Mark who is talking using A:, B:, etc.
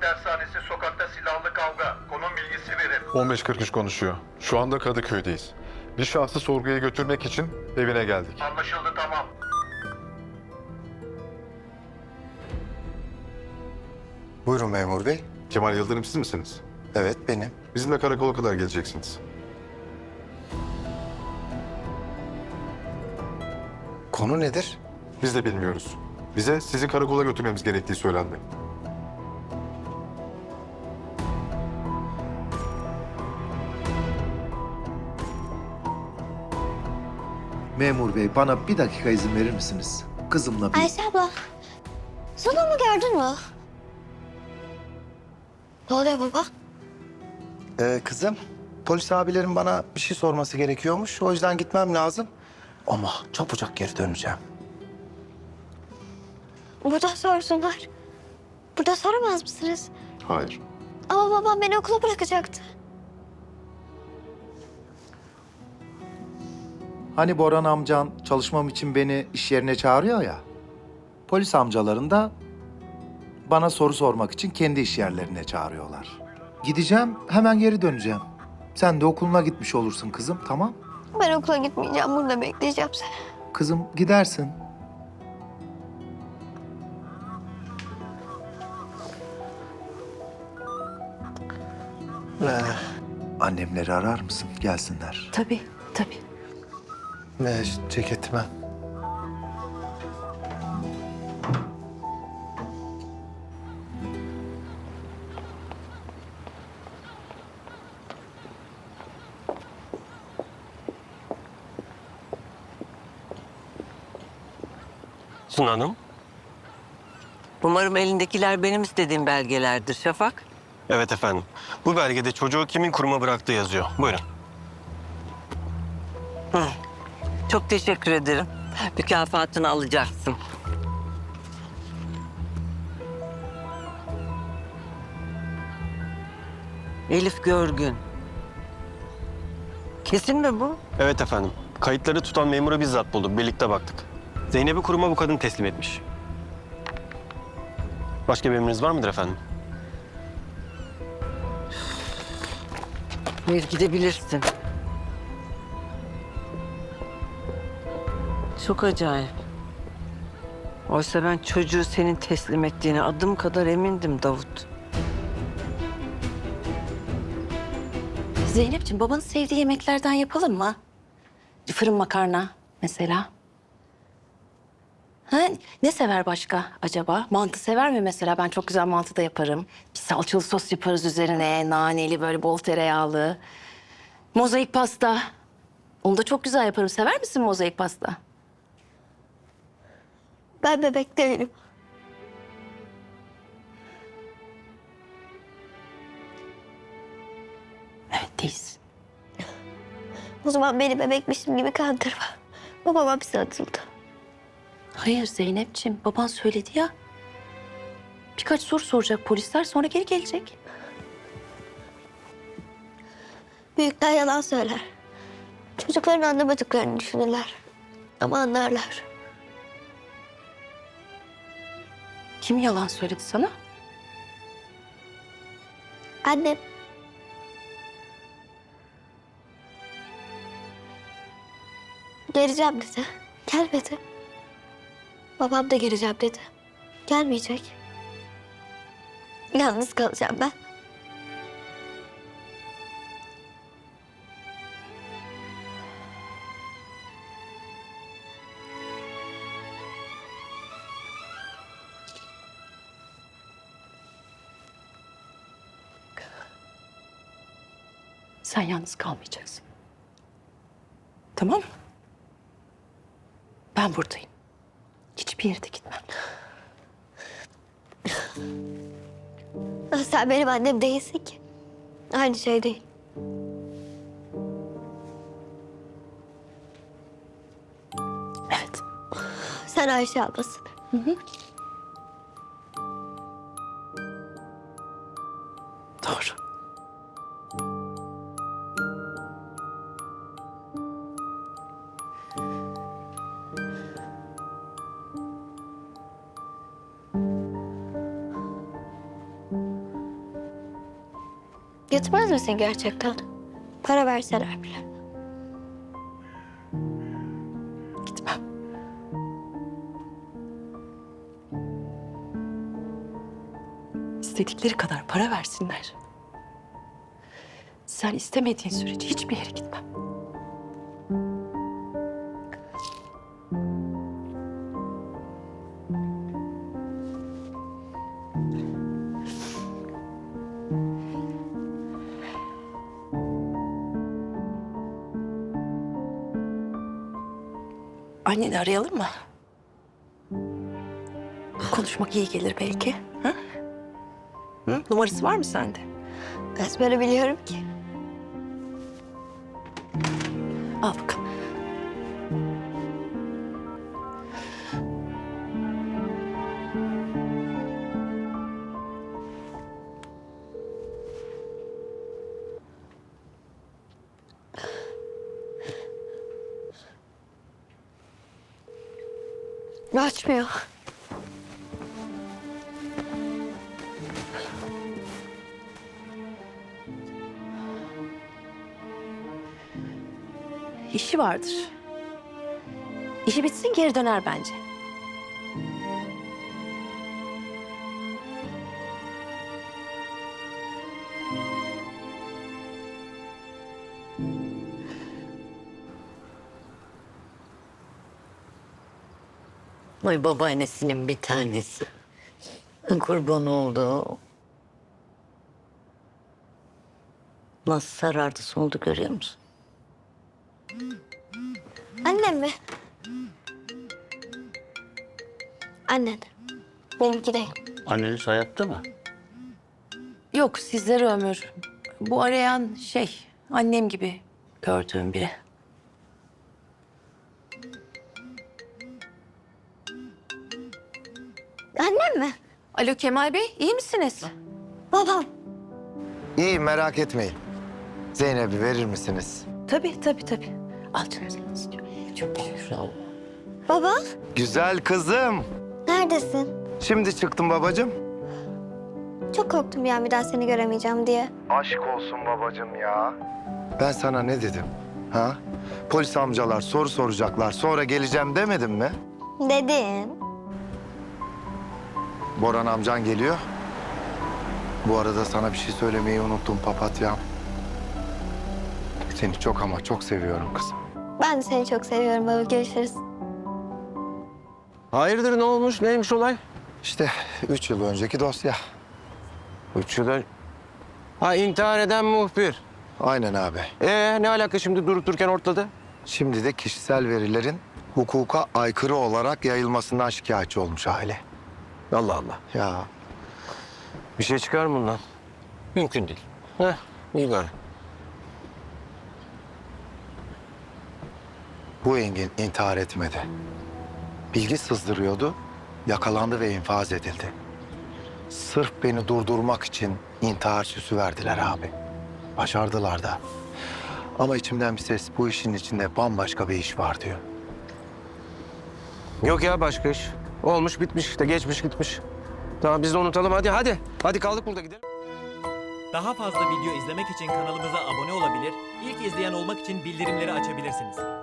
A: dershanesi sokakta silahlı kavga. Konum bilgisi verin.
B: 1543 konuşuyor. Şu anda Kadıköy'deyiz. Bir şahsı sorguya götürmek için evine geldik.
A: Anlaşıldı, tamam.
C: Buyurun memur bey.
B: Kemal Yıldırım siz misiniz?
C: Evet benim.
B: Bizimle karakola kadar geleceksiniz.
C: Konu nedir?
B: Biz de bilmiyoruz. Bize sizi karakola götürmemiz gerektiği söylendi.
D: Memur bey bana bir dakika izin verir misiniz? Kızımla bir...
E: Ayşe abla, Sunan'ı gördün mü? Ne oluyor baba?
C: Kızım, polis abilerin bana bir şey sorması gerekiyormuş. O yüzden gitmem lazım. Ama çabucak geri döneceğim.
E: Burada sorsunlar. Burada soramaz mısınız?
B: Hayır.
E: Ama babam beni okula bırakacaktı.
D: Hani Boran amcan çalışmam için beni iş yerine çağırıyor ya. Polis amcaların da bana soru sormak için kendi iş yerlerine çağırıyorlar. Gideceğim, hemen geri döneceğim. Sen de okuluna gitmiş olursun kızım, tamam?
E: Ben okula gitmeyeceğim, burada bekleyeceğim seni.
D: Kızım gidersin. Annemleri arar mısın? Gelsinler.
F: Tabii, tabii.
C: Ceketime.
G: Suna Hanım.
F: Umarım elindekiler benim istediğim belgelerdir Şafak.
G: Evet efendim. Bu belgede çocuğu kimin kuruma bıraktığı yazıyor. Buyurun.
F: Çok teşekkür ederim. Mükafatını alacaksın. Elif Görgün. Kesin mi bu?
G: Evet efendim. Kayıtları tutan memuru bizzat bulduk. Birlikte baktık. Zeynep'i kuruma bu kadın teslim etmiş. Başka bir emriniz var mıdır efendim?
F: Ver gidebilirsin. Çok acayip. Oysa ben çocuğu senin teslim ettiğine adım kadar emindim Davut.
H: Zeynep'ciğim babanın sevdiği yemeklerden yapalım mı? Fırın makarna mesela. Ha, ne sever başka acaba? Mantı sever mi mesela? Ben çok güzel mantı da yaparım. Bir salçalı sos yaparız üzerine. Naneli böyle bol tereyağlı. Mozaik pasta. Onu da çok güzel yaparım. Sever misin mozaik pasta?
E: Ben bebek değilim.
H: Evet değilsin.
E: O zaman beni bebekmişim gibi kandırma. Babam hapse atıldı.
H: Hayır Zeynep'ciğim baban söyledi ya. Birkaç soru soracak polisler sonra geri gelecek.
E: Büyükler yalan söyler. Çocukların anlamadıklarını düşünürler. Ama anlarlar.
H: Kim yalan söyledi sana?
E: Annem. Geleceğim dedi. Gelmedi. Babam da geleceğim dedi. Gelmeyecek. Yalnız kalacağım ben.
H: Sen yalnız kalmayacaksın. Tamam mı? Ben buradayım. Hiçbir yere de gitmem.
E: Sen benim annem değilsin ki. Aynı şey değil.
H: Evet.
E: Sen Ayşe ablasın.
H: Doğru.
E: Gitmez misin gerçekten? Para verseler bile.
H: Gitmem. İstedikleri kadar para versinler. Sen istemediğin sürece hiçbir yere gitmem. Anneni arayalım mı? Konuşmak iyi gelir belki. Ha? Hı? Numarası var mı sende?
E: Ezbere biliyorum ki.
H: Al bakalım.
E: Açmıyor.
H: İşi vardır. İşi bitsin geri döner bence.
I: Vay babaannesinin bir tanesi. Kurban oldu. Nasıl sarardı soldu görüyor musun?
E: Annem mi? Annen. Benimki değil.
I: Anneniz hayatta mı?
H: Yok sizlere ömür. Bu arayan annem gibi gördüğüm biri.
E: Annem mi?
H: Alo Kemal Bey, iyi misiniz?
E: Babam.
C: İyi, merak etmeyin. Zeynep'i verir misiniz?
H: Tabii. Al canım sen istiyor. Çok
I: Sağ ol.
E: Baba.
C: Güzel kızım.
E: Neredesin?
C: Şimdi çıktım babacığım.
E: Çok korktum ya bir daha seni göremeyeceğim diye.
C: Aşk olsun babacığım ya. Ben sana ne dedim? Ha? Polis amcalar soru soracaklar, sonra geleceğim demedim mi?
E: Dedin.
C: Boran amcan geliyor. Bu arada sana bir şey söylemeyi unuttum papatyam. Seni çok ama çok seviyorum kızım.
E: Ben de seni çok seviyorum baba. Görüşürüz.
G: Hayırdır, ne olmuş? Neymiş olay?
C: İşte 3 yıl önceki dosya.
G: 3 yıl Ha, intihar eden muhbir.
C: Aynen abi.
G: Ne alaka şimdi durup dururken ortada?
C: Şimdi de kişisel verilerin hukuka aykırı olarak yayılmasından şikayetçi olmuş aile.
G: Allah Allah.
C: Ya
G: Bir şey çıkar mı bundan? Mümkün değil. İyi bari.
C: bu Engin intihar etmedi. Bilgi sızdırıyordu, yakalandı ve infaz edildi. Sırf beni durdurmak için intihar süsü verdiler abi. Başardılar da. Ama içimden bir ses bu işin içinde bambaşka bir iş var diyor.
G: Yok ya, başka iş. Olmuş bitmiş işte, geçmiş gitmiş. Tamam, biz de unutalım, hadi. Hadi kaldık burada, gidelim.
J: Daha fazla video izlemek için kanalımıza abone olabilir, ilk izleyen olmak için bildirimleri açabilirsiniz.